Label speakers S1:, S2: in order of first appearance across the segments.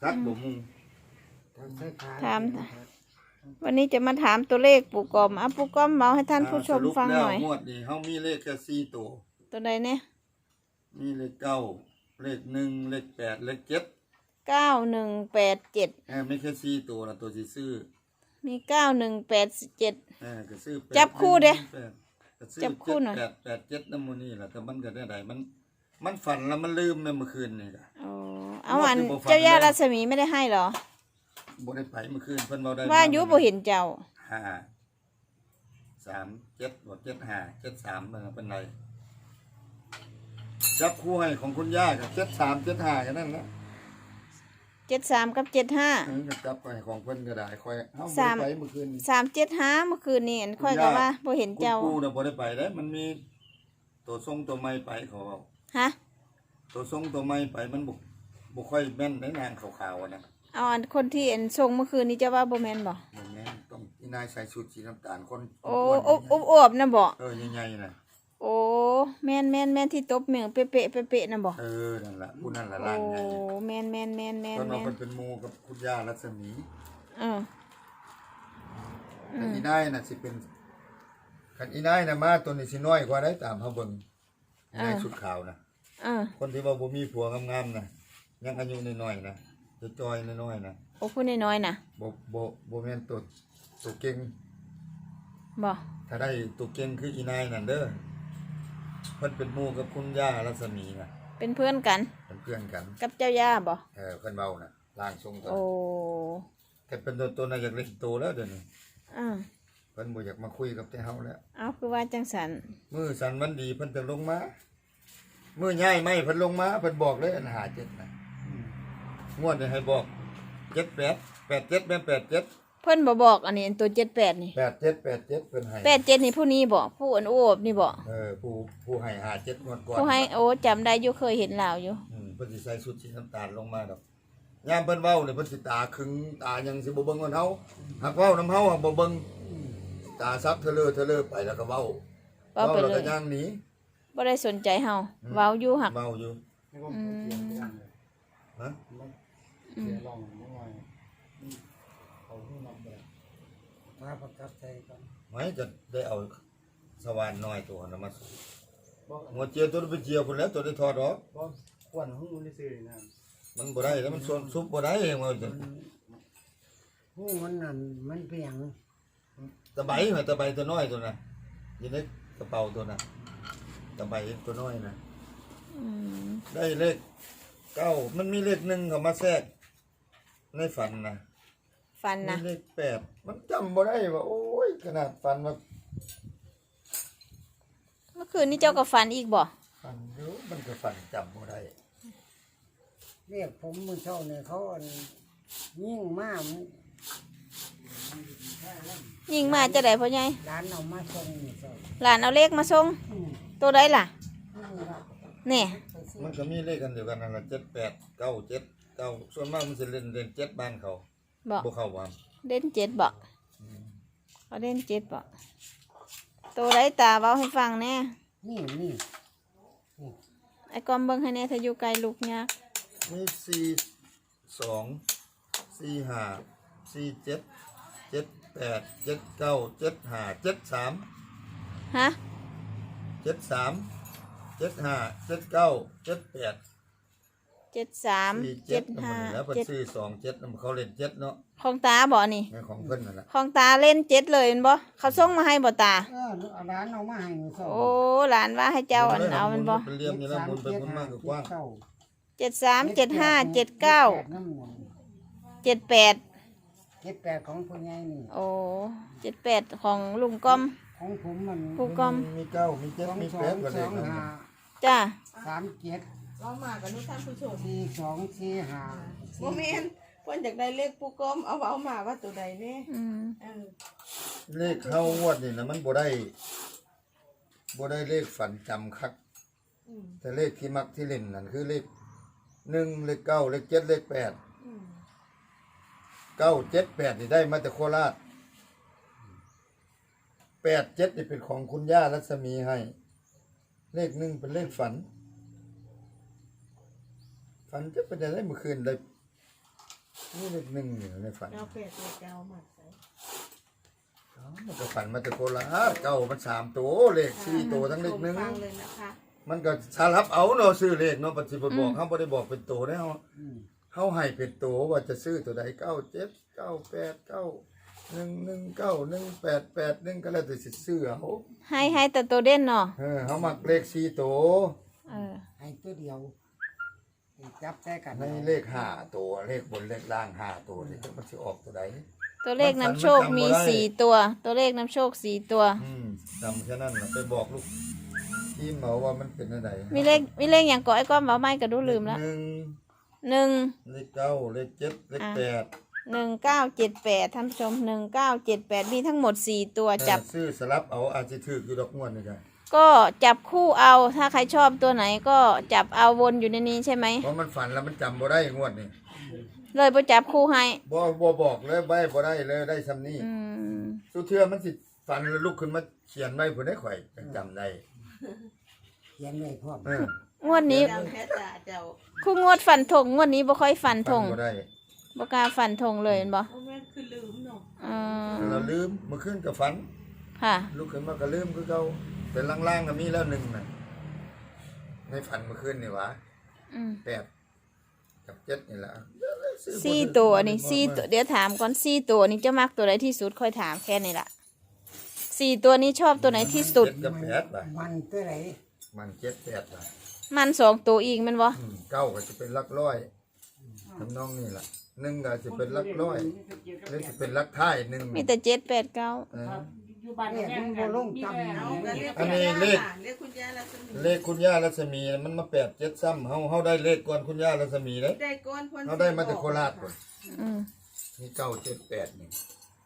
S1: ทักบ่มุง
S2: ถามวันนี้จะมาถามตัวเลขปู่กอมปู่กอมเมาให้ท่านผู้ชมฟังหน่อย
S1: สรุปแล้วงวดนี้เฮามีเลขแค่4ตัว
S2: ตัวใดเนี่ย
S1: มีเลข9เลข1เลข8เลข7
S2: 9187
S1: ไม่แค่4ตัวนะตัวสิซื้อ
S2: มี9187
S1: ก็ซื้อ
S2: จับคู่เด้
S1: ก็ซื้อ
S2: จับคู่หน่อย
S1: 887นำมื้อนี้ล่ะแต่มันก็ได้มันฝันแล้วมันลืมเมื่อคืนนี่ก็
S2: อ๋อเอาอันเจ้าย่ารัศมีไม่ได้ให้เหรอ
S1: บ่ได้ไปเมื่อคืนเพิ่นเว้าได้
S2: ว่าอยู่บ่เห็นเจ้า
S1: 5 3 7บ่7 5 7 3เพิ่นไรจับคู่ให้ของคุณย่ากับ7 3 7 5กันนั่นแหละ
S2: 73กับ75
S1: ก็จับไปของเพิ่นก็ได้ค่อยเฮาบ่ไปเมื่อคืน
S2: 375เมื่อคืนนี่ค่อยก็ว่าบ่เห็นเจ้า
S1: ปู่น่ะบ่ได้ไปเด้มันมีตัวทรงตัวใหม่ไปเขาเว้า
S2: ฮะ
S1: ตัวทรงตัวใหม่ไปมันบ่ค่อยแม่นได้นางขาวๆนะ
S2: เอาอันคนที่เอ็นทรงเมื่อคืนนี้จะว่าบ่แม่นบ่
S1: แม่นต้องอีนายใส่ชุดสีน้ำตาลคน
S2: โอ้อวบนะบ่
S1: ใหญ่ๆน่ะ
S2: โอ้แม่นที่ตบเมืองเป๊ะๆนะบ่
S1: นั่นล่ะผู้นั่นล่ะล่างใหญ่
S2: โอ้แม่นเ
S1: พิ่นว่าเพิ่นเป็นหมู่กับคุณย่ารัศมีแต่อีนายน่ะสิเป็นคันอีนายน่ะมาตัวนี้สิน้อยกว่าได้ตามเฮาเบิ่งอีนายชุดขาวน่ะคนที่ว่าบ่มีผัวงามๆน่ะยังอายุน้อยๆน่ะจะจอยน้อยๆน่ะ
S2: โอ้ผู้น้อยๆน่ะ
S1: บ่แม่นตัวเก่ง
S2: บ่
S1: ถ้าได้ตัวเก่งคืออีนายนั่นเด้อเพิ่นเป็นหมู่กับคุณย่ารัศมีน่ะ
S2: เป็นเพื่อนกันกับเจ้าย่าบ่
S1: เพิ่นเว้าน่ะร่างทรงตัว
S2: โอ้
S1: แต่เป็นตัวน่ะอยากเล่นโตแล้วเดี๋ยวนี้เพิ่นบ่อยากมาคุยกับแต่เฮาแล้ว
S2: เอาคือว่าจังสัน
S1: มื้อสันวันดีเพิ่นจะลงมามื้อย้ายไม่เพิ่นลงมาเพิ่นบอกเลยอัน57น่ะงวดนี้ให้บอก78 87แม่น87
S2: เพิ่นบ่บอกอันนี้ตัว78นี่
S1: 87เพิ่นให้
S2: 87นี่ผู้นี้บ่ผู้อันโอบนี่บ่
S1: ผู้ให้57งวดก่อน
S2: ผู้ให้โอ้จำได้อยู่เคยเห็นลาวอยู่
S1: เพิ่นสิใส่ชุดสีน้ำตาลลงมาดอกยามเพิ่นเว้านี่เพิ่นสิตาขึงตายังสิบ่เบิ่งเฮาหากเว้านำเฮาบ่เบิ่งตาซับเทเลอไปแล้วก็เว้า
S2: ไปเลย
S1: แล้วก็ย่างหนี
S2: บ่ได้สนใจเฮาเว้าอยู่หัก
S1: เว้าอยู่ฮะ
S3: มาประกับใจกัน
S1: ไม่จะได้เอาสว่านน้อยตัวนั้นมาหัวเจียวตัวไปเจียวพุ่นแล้วตัวได้ถอดออก
S3: ควนหูนี่ซื่อนะ
S1: มันบ่ได้แล้วมันซุบบ่ได้เองว่าจัง
S3: หูมันนั่นมันเปียง
S1: ตะไบตัวน้อยตัวน่ะอยู่ในกระเป๋าตัวน่ะตะไบตัวน้อยน่ะได้เลข9มันมีเลข1เข้ามาแทรกในฝันนะเลข8มันจำบ่ได้ว่าโอ้ยขนาดฝันว่า
S2: เมื่อคืนนี้เจ้าก็ฝันอีกบ่
S1: ฝันอยู่มันก็ฝันจำบ่ได้
S3: เรียกผมมื้อเช้าเนี่ยเขายิ่งมาก
S2: จะได้พ่อใหญ่
S3: ร้านเอามาส่งนี่เจ้า
S2: หลานเอาเลขมาส่งตัวใดล่ะนี่
S1: มันก็มีเลขกันเดียวกันนั่นล่ะ78 97 9ส่วนมากมันสิเล่น7บ้านเขาบ่เข้าว่า
S2: เด่น7บ่เขาเด่น7บ่ตัวใดตาเว้าให้ฟังแน่
S3: นี่
S2: ไอ้กอมเบิ่งให้แน่ถ้าอยู่ไกลลูกยาก
S1: มี42 45 47 78 79 75 73
S2: ฮะ
S1: 73 75 79 78
S2: 73
S1: 75แล้วเพิ่นซื้อ27นำเขาเล่น7เนาะ
S2: ของตาบ่นี่
S1: ของเพิ่นนั่นล่ะ
S2: ของตาเล่น7เลยแม่นบ่เขาส่งมาให้บ่ตา
S3: ร้านเอามาให้
S2: โอ้หลานว่าให้เจ้าเอามันบ่
S1: เป็นเหลี่ยมนี่ละมุนไปมุนมากกว้าง
S2: 73 75 79 78
S3: ของผู้ใหญ่นี่
S2: โอ้78ของลุงก้อม
S3: ของผมมัน
S2: ผู้ก้อม
S1: มี9มี7มี8ก็ได้
S2: จ้า
S3: 37
S2: เรามากันนี่ท่านผู้ชม
S3: 42 45
S2: บ่แม่นเพิ่นอยากได้เลขผู้ก้อมเอามาว่าตัวใดแน่
S1: เลขเฮางวดนี่นะมันบ่ได้เลขฝันจำคักแต่เลขที่มักที่เล่นนั่นคือเลข1เลข9เลข7เลข8 9 7 8นี่ได้มาจากโคราช8 7นี่เป็นของคุณย่ารัศมีให้เลข1เป็นเลขฝันจะเป็นอะไรเมื่อคืนได้นี่เลขหนึ่งอยู่ในฝัน
S4: เก้าแปดตัวเก้ามาใส่
S1: มันก็ฝันมาแต่โคราชเก้ามัน3ตัวเลข4ตัวทั้งเลขหนึ่ง
S4: ฟังเลยนะคะ
S1: มันก็สารับเอาเนาะซื้อเลขเนาะปัจจุบันบอกเขาบ่ได้บอกเป็นตัวได้เฮา
S3: อืม
S1: เฮาให้เป็นตัวว่าจะซื้อตัวใด97 98 119 188 1ก็แล้วแต่สิซื้อเอา
S2: ให้แต่ตัวเด่นเนาะ
S1: เฮามักเลข4ตัว
S2: เออ
S3: ให้ตัวเดียวให้จับแต่กัน
S1: ในเลข5ตัวเลขบนเลขล่าง5ตัวนี่มันสิออกตัวใด
S2: ตัวเลขนำโชคมี4ตัวตัวเลขนำโชค4ตัว
S1: จำแค่นั้นน่ะไปบอกลูกทีมเขาว่ามันเป็นอะไร
S2: มีเลขอย่างก่อไอ้ก้อมเว้าไม่ก็ดูลืมแล้ว
S1: หนึ่ง
S2: 1
S1: เลข9เลข7เลข8
S2: 1978ท่านผู้ชม1978มีทั้งหมด4ตัวจับ
S1: ซื้อสลับเอาอาจจะถืออยู่ดอกงวดนี่กัน
S2: ก็จับคู่เอาถ้าใครชอบตัวไหนก็จับเอาวนอยู่ในนี้ใช่ไหม
S1: เพราะมันฝันแล้วมันจำบ่ได้งวดนี่
S2: เลยไปจับคู่ให้
S1: บ่บอกเลยใบบ่ได้เลยได้ซ้ำนี้
S2: อืม
S1: สุเทื่อมันสิฝันแล้วลุกขึ้นมาเขียนไว้ผู้ใดข่อยจังจำได้
S3: เขียนไว้พร้อม
S2: งวดนี้
S4: เจ้าแค่จ่าเจ้า
S2: คู่งวดฟันธงงวดนี้บ่ค่อยฟันธ
S1: ฝั
S2: ง
S1: นบ่ได้
S2: บ่กล้าฟันธงเลยเห็นบ่
S4: โอ้แม่นคือลืมเนาะ
S2: อืม
S1: เราลืมเมื่อคืนก็ฝัน
S2: ค่ะ
S1: ลุกขึ้นมาก็ลืมคือเก่าเป็นล่างๆก็มีแล้วหนึ่งน่ะในฝันเมื่อคืนนี่หวะ
S2: อืม
S1: 8กับ7นี่ล่ะ
S2: 4ตัวนี่4ตัวเดี๋ยวถามก่อน4ตัวนี่เจ้ามักตัวไหนที่สุดค่อยถามแค่นี้ล่ะ4ตัวนี้ชอบตัวไหนที่สุด
S1: 7กับ8ป่ะ
S3: มันตัวไหน
S1: มัน7 8ป่ะ
S2: มัน2ตัวอีกแม่นบ่
S1: เก้าก็จะเป็นหลักร้อยทำนองนี่ล่ะหนึ่งก็จะเป็นหลักร้อยหรือจะเป็นหลักท้ายหนึ่ง
S2: มีแต่7 8 9
S3: เลขมันบ่ลงต่ำ
S4: เอา
S3: นี่
S4: ก็เรียก
S1: อันนี้เลข
S4: เรียกคุณย่าแล้วสมี
S1: เลขคุณย่ารัศมีมันมา8 7ซ้ำเฮาได้เลขก่อนคุณย่ารัศมีเลย
S4: ได้ก้อนพ้น
S1: เฮาได้มาจากโคราชก่อน
S2: อืม
S1: นี่9 7 8นี่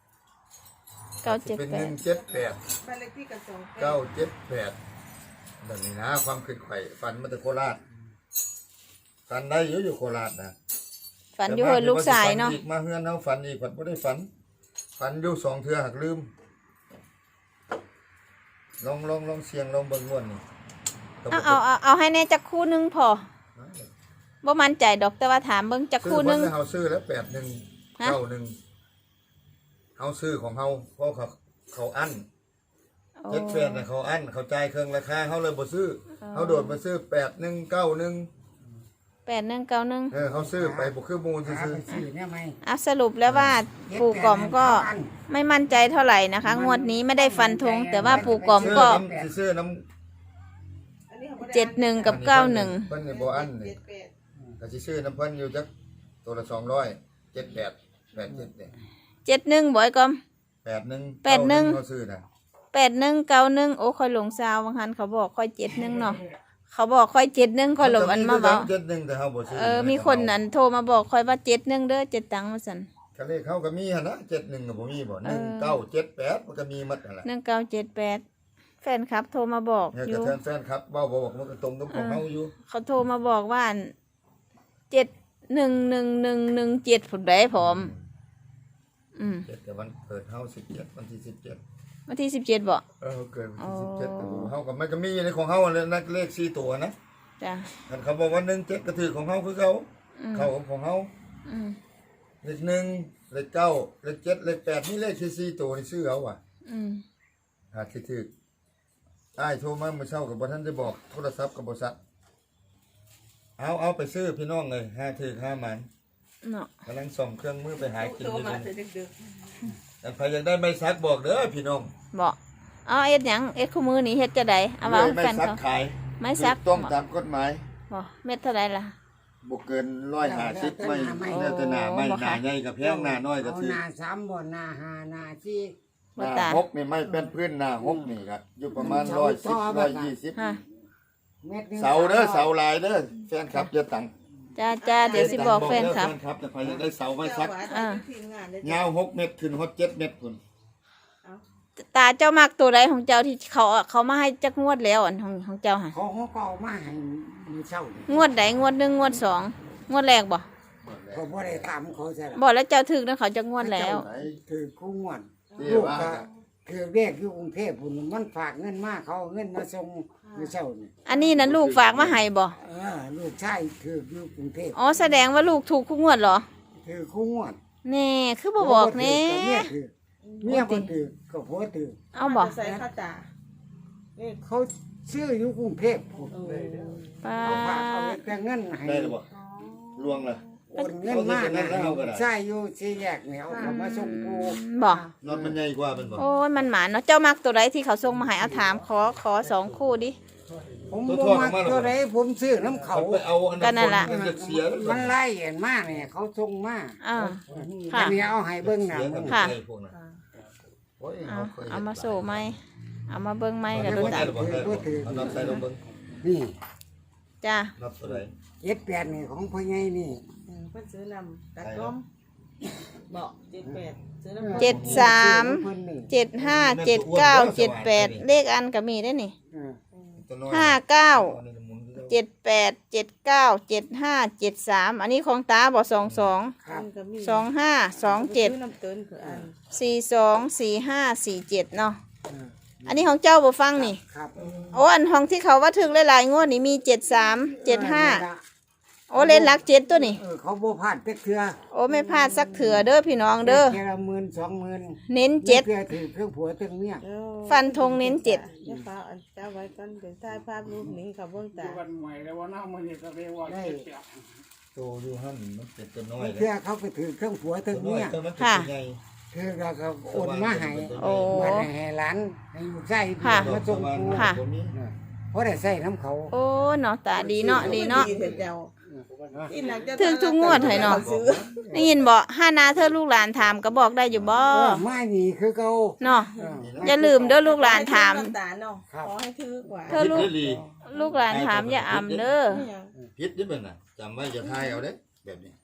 S2: 9
S1: เป็น
S2: 7
S1: 1
S2: 8
S1: 7 8
S4: บ้านเลขที่กับ2
S1: 9 7 8แบบนี้นะความคิดไข่ฝันมาจากโคราชฝันได้อยู่โคราชนะ
S2: ฝันอยู่เฮือนลูกชายเนาะ
S1: แต่มาเฮือนเฮาฝันอีกฝันบ่ได้ฝันอยู่2เทื่อหักลืมลองเสียงลองเบิ่งม่วนนี่
S2: เอาให้แน่จักคู่หนึงพอบ่มั่นใจดอกแต่ว่าถามเบิ่งจักคู่หนึง
S1: ซื้อเฮาซื้อแล้ว81
S2: ฮะ
S1: 91เฮาซื้อของเฮาเพราะเขาอั้น78น่ะเขาอั้นเขาจ่ายเครื่องราคาเฮาเลยบ่ซื้อเฮาโดดมาซื้อ8191
S2: 8191
S1: เขาซื้อไปบ่คือหมู่
S3: หา
S1: ซื้อ
S3: ไปซื้อเนี่ยไหม
S2: อ่ะสรุปแล้วว่าปู่กอมก็ไม่มั่นใจเท่าไหร่นะคะ งวดนี้ไม่ได้ฟันธงแต่ว่าปู่กอมก็
S1: ซื้อน้ำ
S4: อันนี้เขาบ่ได้
S2: 71กับ91
S1: เพิ่นนี่บ่อั้นนี่
S4: 78
S1: ก็สิซื้อน้ำเพิ่นอยู่จักตัวละ200 78 87เนี่ย
S2: 71บ่ไอ้กอม
S1: 81
S2: 81
S1: เขาซื้อน่ะ
S2: 8191โอ้ค่อยหลงซาวบางหันเขาบอกค่อย71เนาะเขาบอกค่อย71ค่อยหลงอันมาบอก
S1: 71แต่เฮาบ่ซื้อ
S2: มีคนนั้นโทรมาบอกค่อยว่า71เด้อ7ตังค์ว่าซั่น
S1: ก็เลขเขาก็มีหั่นนะ71ก็บ่มีบ่1978มันก็มีหมดนั่นแหละ
S2: 1978แฟนคลับโทรมาบอก
S1: เนี่ย
S2: อ
S1: ก็
S2: ยู่
S1: แฟนครับเว้าบ่บอกมันก็ตรงกับของเฮาอยู่
S2: เขาโทรมาบอกว่า711117ผุดได้ผม
S1: 7แต่วันเกิดเฮา17วันที่17
S2: วันที่17บ่
S1: เกิดวันที่
S2: อ๋อ
S1: 17แต่เฮาก็มันก็มีในของเฮาเลยนะเลข4ตัวนะ
S2: จ้ะ
S1: คันเขาบอกว่า17ก็ถือของเฮาคือเขาเข้าของเฮา
S2: อืม
S1: เลข1เลข9เลข7เลข8นี่เลขแค่4ตัวนี่ซื้อเอาว่ะ
S2: อืม
S1: หาสิถืออ้ายโทรมาเมื่อเช้าก็บ่ทันได้บอกโทรศัพท์ก็บ่ซัดเอาไปซื้อพี่น้องเลยหาถือหาหมัน
S2: เนาะ
S1: กำลังส่งเครื่องมือไปหากิน
S4: โทร
S1: อยู่
S4: มา
S1: นี่
S4: แต่ดึก
S1: แต่ใครอยากได้ไม้ซักบอกเด้อพี่น้อง
S2: บอกเอาเอ็ดหยังเอ็ดคู่มือนี่เฮ็ดจะได้เอาว่า
S1: ไม้
S2: แฟน
S1: ซัก
S2: เขา
S1: ขาย
S2: ไม้ซัก
S1: ถูต้องตามกฎหมาย
S2: บอกเม็ดเท่าไหร่ล่ะ
S1: บ่เกิน150ไม่แล้วแต่หน้าไม่
S2: โอ้บ่
S1: ห
S2: ค่ะ
S1: น้าใหญ่กับแพงหน้าน้อยก็
S3: เอา
S1: ถือ
S3: หน้า3บ่หน้า5หน้า4
S1: หน้าหกนี่ไม่เป็นพื้นหน้าหกนี่ครับอยู่ประมาณ110 120
S2: ฮะ
S3: เม็ดหนึง
S1: เสาเด้อเสาลายเด้อแฟนคลับจะตัง
S2: จ้าเดี๋ยวสิบอกแฟนครับ
S1: แฟนคลับแต่ใครอยากได้เสา
S4: ๆ
S1: ไม้
S4: เจ้า
S1: ซัก
S4: ว่าได้ทีมงานได้
S1: ยาว6เมตรขึ้นฮอด7เมตรพุ่น
S2: ตาเจ้ามักตัวใดของเจ้าที่เขามาให้จักงวดแล้วอันของเจ้าค่ะ
S3: เขาก็เอามาให้มื้อเช้าง
S2: วดใดงวด1งวด2งวดแรกบ่
S3: เขาบ่ได้ถามเขาใช่ล่ะ
S2: บอกแล้วเจ้าถึกนะเขาจะงวดแล้ว
S1: ไหน
S3: คือคู่งวด
S1: ที่
S3: ลูก
S1: ว่า
S3: ก็คือเรียกอยู่กรุงเทพพุ่นมันฝากเงินมาเขาเอาเงินมาส่งมื้อเช้านี่
S2: อันนี้นะลูกฝากมาให้บ่
S3: ลูกชายคืออยู่กรุงเทพ
S2: อ๋อแสดงว่าลูกถูกทุกงวดเหรอ
S3: ถือคู่งวด
S2: แน่คือบ่บอกแน่
S3: เมียบ่ถือก็ผัวถือ
S2: เอาบอก
S4: ใส่ข้าวตาเลข
S3: เขาซื้ออยู่กรุงเทพพุ่น
S2: ป้า
S3: เอาฝากเอาแต่เงินให้
S1: ได้หรือบ่ลวงล่ะ
S3: โอนเงินมานะใช่อยู่สี่แยกเนี่ยเอาเขามาส่งกู
S2: บอก
S1: นอนมันใหญ่กว่าเป็นบ่
S2: โอ้ยมันหมาเนาะเจ้ามักตัวใดที่เขาส่งมาให้เอาถามขอสองคู่ดิ
S3: ผมบ่มักตัวใดผมซื้อน้ำเขา
S1: เขาไปเอาอัน
S2: ก็นั่นล่ะ
S1: มันจะเสียแล้ว
S3: มันไล่เห็นมาเนี่ยเขาส่งมา
S2: อ่า
S3: อั
S2: ค่ะ
S3: นนี้เอาให้เบิ่งหน้า
S1: เสีย
S3: มึ
S1: กับ
S3: ง
S2: ค่ะ
S1: ไอ้พวกนั้นโอ้ย
S2: เอา
S1: เคย
S2: เอามาโซ่ไหมเอามาเบิ้งไหมกับ
S1: ดู
S2: ดู
S1: ตา
S2: ตา
S1: เอานับใส่ลงเบิ่ง
S3: นี่
S2: จ้า
S1: นับตัวใด
S3: 78นี่ของพ่อใหญ่นี่
S4: เพิ่นซื้อนำตัดล้มบอก78ซื้อน้ำ
S2: เจ็ดสาม
S3: เพิ่นนี่
S2: 75 79 78เลขอันก็มีได้นี่
S3: เออ
S1: ตัวน้อย
S2: 59
S1: อันนี้หมุน
S2: 78 79 75 73อันนี้ของตาบอก22
S3: ครับ
S4: ก็มี
S2: 25
S4: ซื้อ
S2: 27
S4: น้ำเตินคืออัน
S2: 42 45 47เนาะ
S3: เออ
S2: อันนี้ของเจ้าบ่ฟังนี่
S3: ครับ
S2: โอ้อันของที่เขาว่าถึงหลายๆงวดนี่มี73 75โอ้เล่นหลัก7ตัวนี่
S3: เขาบ่พลาดจักเทื่อ
S2: โอ้ไม่พลาดสักเถื่อเด้อพี่น้องเด้อ
S3: แค่ละ10,000 20,000
S2: เน้น
S3: เจ็ด
S2: 7
S3: เทื่อถือเครื่องผัวเครื่องเมีย
S2: ฟันธงเน้น7
S4: เดี๋ยวฟ้าอันเจ้าไว้ก่อนเดี๋ยวถ่ายภาพรูปนี้เขาเบิ่งตา
S5: วันใหม่แล้ววันหน้ามันนี่ก็เรียกว่า
S3: ได้
S5: เจ็บ
S1: โตอยู่หั่นมันเป็นตัวน้อย
S3: เทื่อเขาไปถือเครื่องผัวเค
S1: ตั
S3: รื่
S1: ว
S3: อง
S1: น้อย
S3: เมีย
S1: ตัวมันเป็นตัวใหญ่
S3: คือเราก็โอนมาให้
S2: โอ้
S3: มาให้หลานให้ลูกชาย
S2: ค่ะ
S3: มาส่งกู
S2: ค่ะ
S3: เพราะได้ใส่น้ำเขา
S2: โอ้เนาะตาดีเนาะดีเนาะ
S4: เห็นเจ้าที่หลังจะ
S2: ถึงทุกงวดให้เนาะ
S4: ซื้อ
S2: ได้ยินบ่ห้านาเธอลูกหลานถามก็บอกได้อยู่บ่
S3: มานี่คือเขา
S2: เนาะ
S3: เออ
S2: อย่าลืมเด้อลูกหลานถาม
S4: ตาเนาะขอให้ถือกว่า
S2: เธอลูกหลานถามอย่าอำเด้อ
S1: พิษนี่เป็นน่ะจำไว้จะทายเอาเด้แบบนี้